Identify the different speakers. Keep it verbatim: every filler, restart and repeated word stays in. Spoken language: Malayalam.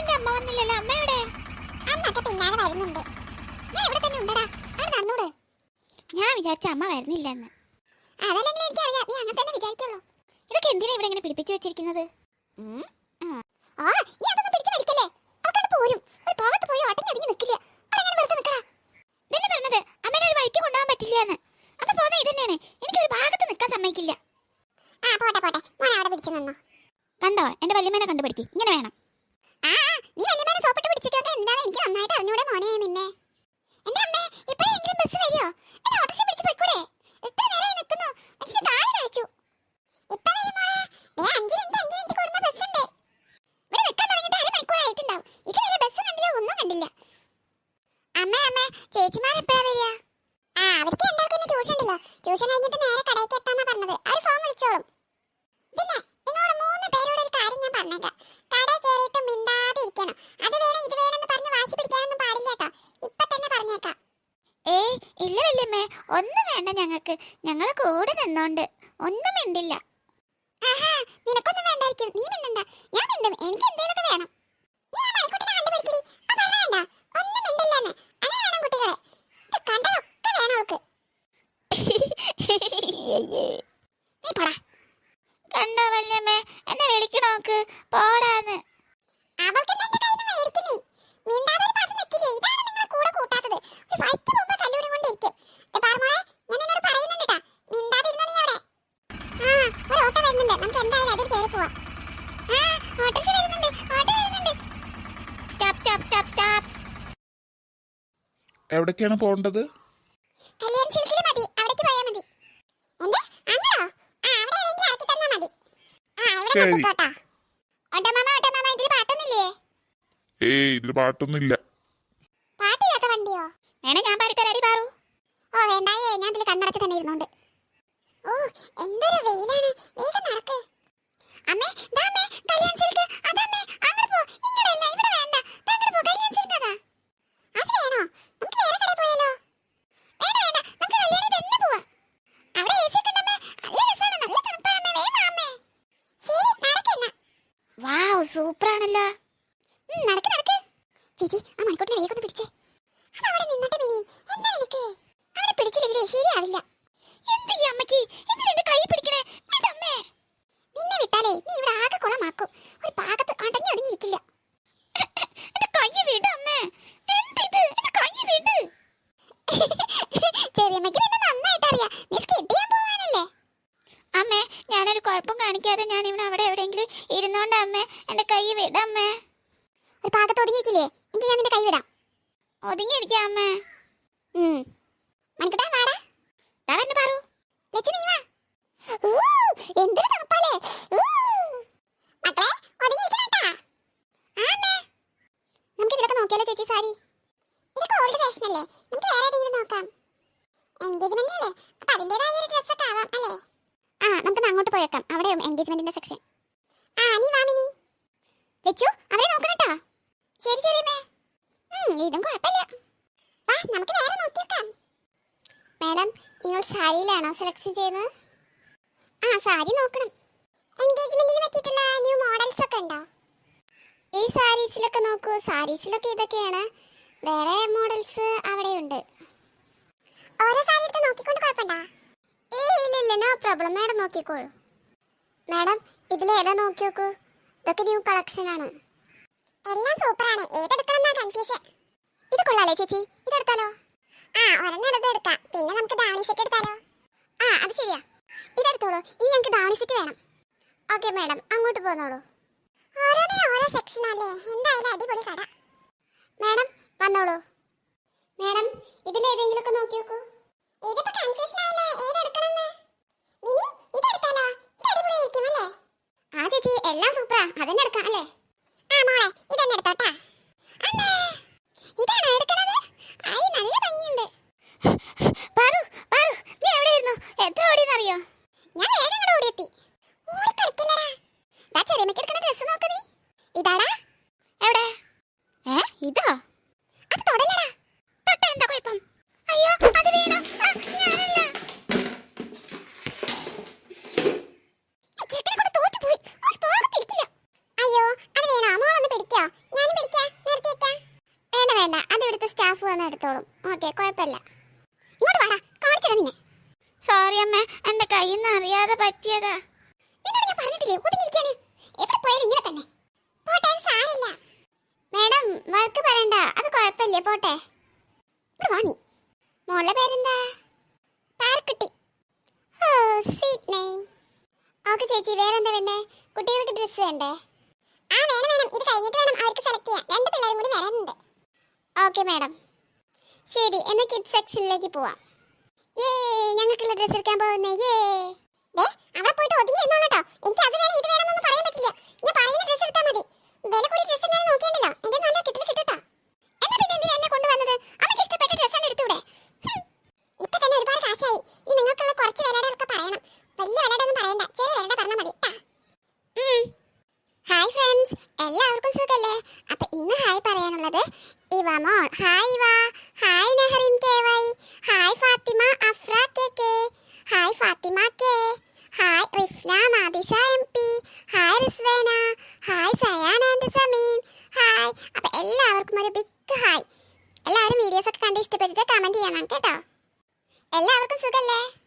Speaker 1: എന്റെ അമ്മ വന്നില്ലല്ലോ. അമ്മ എവിടെ?
Speaker 2: അമ്മക്ക് പിന്നാലെ വരുന്നുണ്ട്.
Speaker 1: ഞാൻ ഇവിടെ തന്നെ ഉണ്ടടാ. അവിടെ നടന്നൂടെ? ഞാൻ വിചാരിച്ച അമ്മ വരുന്നില്ലെന്ന്.
Speaker 2: അതല്ലെങ്കിൽ എനിക്കറിയാം, നീ അങ്ങനെ തന്നെ വിചാരിക്കുള്ളൂ.
Speaker 1: ഇതൊക്കെ എന്തിനാ ഇവിടെ ഇങ്ങനെ പിടിപ്പിച്ചു വെച്ചിരിക്കുന്നത്?
Speaker 2: ആ നീ അതൊന്നും പിടിച്ചു വലിക്കല്ലേ. അവക്കത് പോരും. ഒരു ഭാഗത്ത് പോയി അടങ്ങി ഒതുങ്ങി നിൽക്കില്ല. അവിടെ ഞാൻ വെറുതെ നിൽക്കടാ.
Speaker 1: ഇതന്നെ പറഞ്ഞത് അമ്മേനെ ഒരു വഴിക്ക് കൊണ്ടുപോകാൻ പറ്റില്ല എന്ന്. അമ്മ പോകുന്ന ഇതന്നെയാണ്. എനിക്കൊരു ഭാഗത്ത് നിൽക്കാൻ സമ്മതിക്കില്ല.
Speaker 2: ആ പോട്ടെ പോട്ടെ, മോനെ അവിടെ പിടിച്ചു നിന്നോ.
Speaker 1: കണ്ടോ, എന്റെ വല്യമ്മേനെ കണ്ടുപിടിക്കും. ഇങ്ങനെ വേണം.
Speaker 2: ആ നീ വല്യമ്മേനെ സോപ്പിട്ട് പിടിച്ചിട്ടൊക്കെ എന്താണെന്ന് എനിക്ക് നന്നായിട്ട് അറിഞ്ഞൂടെ മോനെ നിന്നെ. എന്റെ അമ്മേ, ഇപ്പോഴെങ്കിലും ബസ് വരുമോ? എന്നെ ഓട്ടോറിക്ഷ പിടിച്ച് പോയിക്കൂടെ? എത്ര നേരമായി നിൽക്കുന്നു. മനുഷ്യൻ താഴെ കഴിച്ചു. ഇപ്പൊ വരും മോളെ. ദേ അഞ്ച് മിനിറ്റ് അഞ്ച് മിനിറ്റ് കൂടുന്ന ബസ് ഉണ്ട്. ഇവിടെ നിൽക്കാൻ തുടങ്ങിയിട്ട് അര മണിക്കൂറായിട്ടുണ്ടാവും. ഇത് നേരെ ബസ് കണ്ടില്ല, ഒന്നും കണ്ടില്ല. അമ്മേ അമ്മേ, ചേച്ചിമാർ എപ്പോഴാ വരിക? ആ അവർക്ക് രണ്ടാൾക്കൊന്ന് ട്യൂഷൻ ഉണ്ടല്ലോ. ട്യൂഷൻ കഴിഞ്ഞിട്ട് നേരെ കടയ്ക്ക് എത്താന്നാ പറഞ്ഞത്. അവർ ഫോൺ വിളിച്ചോളും. പിന്നെ നിങ്ങളോട് മൂന്ന് പേരോട് ഒരു കാര്യം ഞാൻ പറഞ്ഞേക്കാം. കടയിൽ കയറിയിട്ട് മിണ്ടാതെ ഇരിക്കണം. അത് വേണം ഇത് വേണമെന്ന് പറഞ്ഞ് വാശി പിടിക്കാനൊന്നും പാടില്ല കേട്ടോ. ഇപ്പൊ തന്നെ പറഞ്ഞേക്കാം.
Speaker 1: ഏയ് ഇല്ല വല്യമ്മേ, ഒന്നും വേണ്ട. ഞങ്ങൾക്ക് ഞങ്ങളെ കൂടെ നിന്നോണ്ട് ഒന്നും മിണ്ടില്ല.
Speaker 2: ആഹാ, നിനക്കൊന്നും വേണ്ടായിരിക്കും. നീ മിണ്ടണ്ട, ഞാൻ മിണ്ടും. എനിക്ക് എന്തേലൊക്കെ വേണം. നീ ആ മണിക്കുട്ടിനെ കണ്ടുപിടിക്കടി. ആ പറഞ്ഞ വേണ്ട, ഒന്നും മിണ്ടില്ലെന്ന്. അങ്ങനെ വേണം കുട്ടികളെ. ഇത് കണ്ടതൊക്കെ വേണം അവൾക്ക്. നീ പോടാ.
Speaker 1: കണ്ടോ വല്യമ്മേ, എന്നെ വിളിക്കണോക്ക് പോടാന്ന്.
Speaker 2: അവൾക്ക് എന്റെ കയ്യിൽ നിന്ന് മേടിക്കും നീ. മിണ്ടാതെ ഒരു ഭാഗത്ത് നിൽക്കില്ലേ? ഇതാണ് നിങ്ങളെ കൂടെ കൂട്ടാത്തത്. ഒരു വൈറ്റ് മുമ്പ് തല്ലുകൂടി കൊണ്ടിരിക്കും. പാർമോളെ, ഞാൻ നിന്നോട് പറയുന്നുണ്ട് ട്ടാ. മിണ്ടാതെ ഇരുന്നോ നീ അവിടെ. ആ ഒരു ഓട്ടോ വരുന്നുണ്ട്. നമുക്ക് എന്തായാലും അതിൽ കയറി പോവാം. ആ ഓട്ടോസ് വരുന്നുണ്ട്, ഓട്ടോ വരുന്നുണ്ട്.
Speaker 1: Stop stop stop stop.
Speaker 3: എവിടേക്കാണ് പോകേണ്ടത്?
Speaker 2: കല്യാൺ സിൽക്കിൽ മതി, അവിടേക്ക് പോയാൽ മതി. എന്ത് അങ്ങോ? ആ അവിടെ എവിടെയെങ്കിലും ഇറക്കി തന്നാ മതി. ആ ഇവിടെ
Speaker 3: ശരി.
Speaker 2: നിർത്തിക്കോട്ടാ. ഓട്ടോ മാമ, ഓട്ടോ മാമ, ഇതിൽ പാട്ടൊന്നുമില്ലേ?
Speaker 3: ഏയ് ഇതിൽ പാട്ടൊന്നുമില്ല.
Speaker 2: പാട്ടില്ലാത്ത വണ്ടിയോ?
Speaker 1: വേണേ ഞാൻ പാടിത്തരാടി പാറു.
Speaker 2: ഓ വേണ്ടായേ, ഞാൻ ഇതിൽ കണ്ണടച്ച് തന്നെ ഇരുന്നോണ്ട്. ഓ എന്തൊരു വെയിലാണ്. വേഗം നടക്ക്. അമ്മേ ദാ അമ്മേ, കല്യാൺ സിൽക്ക്. അതമ്മേ, അങ്ങോട്ട് പോ. ഇങ്ങടല്ല, ഇവിടെ വേണ്ട. ദാ അങ്ങോട്ട് പോ, കല്യാൺ സിൽക്ക് അതാ. അത് വേണോ? നമുക്ക് വേറെ കടയിൽ പോയാലോ? വേണ്ട വേണ്ട, നമുക്ക് കല്യാണി തന്നെ പോവാം. അവിടെ എ സി ഒക്കെ ഉണ്ടമ്മേ. നല്ല രസമാണ്, നല്ല തണുപ്പാണമ്മേ. വേഗം വാ അമ്മേ. ശരി നടക്കെന്നാ.
Speaker 1: വാവ്, സൂപ്പറാണല്ലോ.
Speaker 2: ഉം, നടക്ക് നടക്ക്. ചേച്ചി ആ മണിക്കൂട്ടിനെ വേഗം ഒന്ന് പിടിച്ചേ. അത് അവിടെ നിന്നോട്ടെ മിനി. എന്താ നിനക്ക്? അവനെ പിടിച്ചില്ലെങ്കിലേ ശരിയാവില്ല.
Speaker 1: എന്ത് ഈ അമ്മയ്ക്ക്? എന്തിനാ എന്റെ കൈ പിടിക്കണേ? വിടമ്മേ.
Speaker 2: നിന്നെ വിട്ടാലേ നീ ഇവിടെ ആകെ കുളമാക്കും. ഒരു പാകത്ത് അടങ്ങി ഒതുങ്ങിയിരിക്കില്ല.
Speaker 1: എന്റെ കൈ വിടമ്മേ. എന്തിത്? എന്റെ കൈ വിട്.
Speaker 2: ചെറിയമ്മയ്ക്ക് നിന്നെ നന്നായിട്ട് അറിയാം. നീ സ്കിഡ് ചെയ്യാൻ പോവാനല്ലേ?
Speaker 1: അമ്മേ, ഞാനൊരു കുഴപ്പം കാണിക്കാതെ ഞാൻ ഇവിടെ അവിടെ എവിടെയെങ്കിലും ഇരുന്നോണ്ട് അമ്മേ. എന്റെ കൈ വിടമ്മേ.
Speaker 2: ഒരു പാകത്ത് ഒതുങ്ങിയിരിക്കില്ലേ? എനിക്ക് ഞാൻ നിന്റെ കൈ വിടാം.
Speaker 1: ഒതുങ്ങിയിരിക്കാം അമ്മേ.
Speaker 2: ഉം മണിക്കുട്ടാ വാടാ.
Speaker 1: ദാ വന്ന് പാറു.
Speaker 2: ലച്ചു നീ വാ. ഊ എന്തൊരു തണുപ്പാലേ. ഊ മക്കളെ ഒതുങ്ങിയിരിക്കണം ട്ടാ. ആ അമ്മേ, നമുക്ക് ഇതിലൊക്കെ നോക്കിയാലോ ചേച്ചി? സാരി ഇതൊക്കെ ഓൾഡ് ഫാഷൻ അല്ലേ? നമുക്ക് വേറെ ഏതെങ്കിലും നോക്കാം. എൻഗേജ്മെന്റ് അല്ലേ, അപ്പൊ അതിന്റേതായ ഒരു ഡ്രസ്സൊക്കെ ആവാം അല്ലേ? ആ നമുക്ക് അങ്ങോട്ട് പോയേക്കാം. അവിടെ എൻഗേജ്മെന്റിന്റെ സെക്ഷൻ. ആ നീ വാ മിനി. ലച്ചു അവരെ നോക്കണം ട്ടോ. ശരി ശരി അമ്മേ. ഉം ഇതും കുഴപ്പമില്ല. വാ നമുക്ക് നേരെ നോക്കിയേക്കാം. മാഡം, നിങ്ങൾ സാരിയിലാണോ സെലക്ഷൻ ചെയ്യുന്നത്? ആ സാരി നോക്കണം. എൻഗേജ്മെന്റിന് പറ്റിയിട്ടുള്ള ന്യൂ മോഡൽസ് ഒക്കെ ഉണ്ടോ? ഈ സാരീസിലൊക്കെ നോക്കൂ. സാരീസിലൊക്കെ ഇതൊക്കെയാണ്. വേറെ മോഡൽസ് അവിടെയുണ്ട്. ഓരോ സാരി എടുത്ത് നോക്കിക്കൊണ്ട് കുഴപ്പമുണ്ടോ? ഏയ് ഇല്ല ഇല്ല, നോ പ്രോബ്ലം. മാഡം നോക്കിക്കോളൂ. മാഡം ഇതിലേതാ നോക്കി നോക്കൂ. ഇതൊക്കെ ന്യൂ കളക്ഷൻ ആണ്. എല്ലാം സൂപ്പറാണ്. ഏതെടുക്കണം കൺഫ്യൂഷൻ. ഇത് കൊള്ളാലേ ചേച്ചി? ഇതെടുത്താലോ? ആ ഒരെണ്ണം എടുത്ത് എടുക്കാം. പിന്നെ നമുക്ക് ദാവണി സെറ്റ് എടുത്താലോ? ആ അത് ശരിയാ, ഇതെടുത്തോളൂ. ഇനി ഞങ്ങൾക്ക് ദാവണി സെറ്റ് വേണം. ഓക്കെ മാഡം, അങ്ങോട്ട് പോന്നോളൂ. ഓരോന്നിനും ഓരോ സെക്ഷൻ അല്ലേ? എന്തായാലും അടിപൊളി കട. മാഡം വന്നോളൂ. മാഡം ഇതിലേതെങ്കിലും ഒക്കെ നോക്കി നോക്കൂ. ഇതിപ്പോ കൺഫ്യൂഷൻ ആയല്ലോ, ഏതെടുക്കണമെന്ന്. മിനി ഇതെടുത്താലോ? ഇത് അടിപൊളിയായിരിക്കും അല്ലേ? ആ ചേച്ചി എല്ലാം സൂപ്പറാ. അതന്നെ എടുക്കാം അല്ലേ? ആ മോളെ ഇതന്നെ എടുത്തോട്ടാ. അമ്മേ ഇതാണോ എടുക്കണത്? ആയി നല്ല ഭംഗിയുണ്ട്.
Speaker 1: പാറു പാറു, നീ എവിടെയായിരുന്നു? എത്ര ഓടിയെന്നറിയോ?
Speaker 2: ഞാൻ വേഗം ഇങ്ങോട്ട് ഓടിയെത്തി. ഓടി കളിക്കില്ലടാ. ദാ ചെറിയമ്മയ്ക്ക് എടുക്കണ ഡ്രസ്സ് നോക്ക് നീ. ഇതാടാ.
Speaker 1: എവിടെ? ഏ ഇതോ?
Speaker 2: അത് തൊടല്ലടാ.
Speaker 1: തൊട്ട എന്താ കുഴപ്പം? അയ്യോ അത് വീണു. ആ, ഞാനല്ല.
Speaker 2: ഈ ചേട്ടനെ കൊണ്ട് തോറ്റുപോയി. ഒരു പാകത്തിരിക്കില്ല. അയ്യോ അത് വീണോ? മോളൊന്ന് പിടിക്കോ? ഞാനും പോട്ടെ പോട്ടെ ഇവിടെ വാ നീ. മോളുടെ പേരെന്താ? പാർക്കുട്ടി. ഓ സ്വീറ്റ് നെയിം. ഓക്കെ ചേച്ചി, വേറെന്താ വേണ്ടേ? കുട്ടികൾക്ക് ഡ്രസ്സ് വേണ്ടേ? ആ വേണം വേണം, ഇത് കഴിഞ്ഞിട്ട് വേണം അവർക്ക് സെലക്ട് ചെയ്യാൻ. രണ്ട് പിള്ളേരും കൂടി വരാനുണ്ട്. Okay madam. ശരി, എന്നാൽ കിഡ്സ് സെക്ഷനിലേക്ക് പോവാം. ഏ ഞങ്ങൾക്കുള്ള ഡ്രസ്സ് എടുക്കാൻ പോകുന്നേ. ഏ ദേ അവിടെ പോയിട്ട് ഒതുങ്ങി ഇരുന്നോളൂ ട്ടോ. എനിക്ക് അത് വേണം ഇത് വേണം എന്നൊന്നും പറയാൻ പറ്റില്ല. ഞാൻ പറയുന്ന ഡ്രസ്സ് എടുത്താൽ മതി. വില കൂടി ഡ്രസ്സ് എന്താണെന്ന് നോക്കിയണ്ടല്ലോ. എന്റെ നല്ല കിട്ടില്ല കിട്ടട്ടോ. എന്നാ പിന്നെ എന്തിനാ എന്നെ കൊണ്ടുവന്നത്? അമ്മയ്ക്ക് ഇഷ്ടപ്പെട്ട ഡ്രസ്സാണ് എടുത്തൂടെ? ഇപ്പൊ തന്നെ ഒരുപാട് കാശായി. ഇനി നിങ്ങൾക്കുള്ള കുറച്ച് വിലയുടെയൊക്കെ പറയണം. വലിയ വിലയുടെ ഒന്നും പറയണ്ട, ചെറിയ വിലയുടെ പറഞ്ഞാൽ മതി ട്ടാ. ഹായ് ഫ്രണ്ട്സ്, എല്ലാവർക്കും സുഖല്ലേ? അപ്പൊ ഇന്ന് ഹായ് പറയാനുള്ളത് ഇവ മോൾ. Hi Eva. Hi Nehrin K Y. Hi Fathima Afra K K. Hi Fathima K. Hi Rifna Nadisha M P. Hi Rizvena. Hi Sayan and Sameen. Hi. അപ്പൊ എല്ലാവർക്കും ഒരു ബിഗ് ഹായ്. എല്ലാവരും വീഡിയോസ് ഒക്കെ കണ്ട് ഇഷ്ടപ്പെട്ടിട്ട് കമന്റ് ചെയ്യണം കേട്ടോ. എല്ലാവർക്കും സുഖല്ലേ?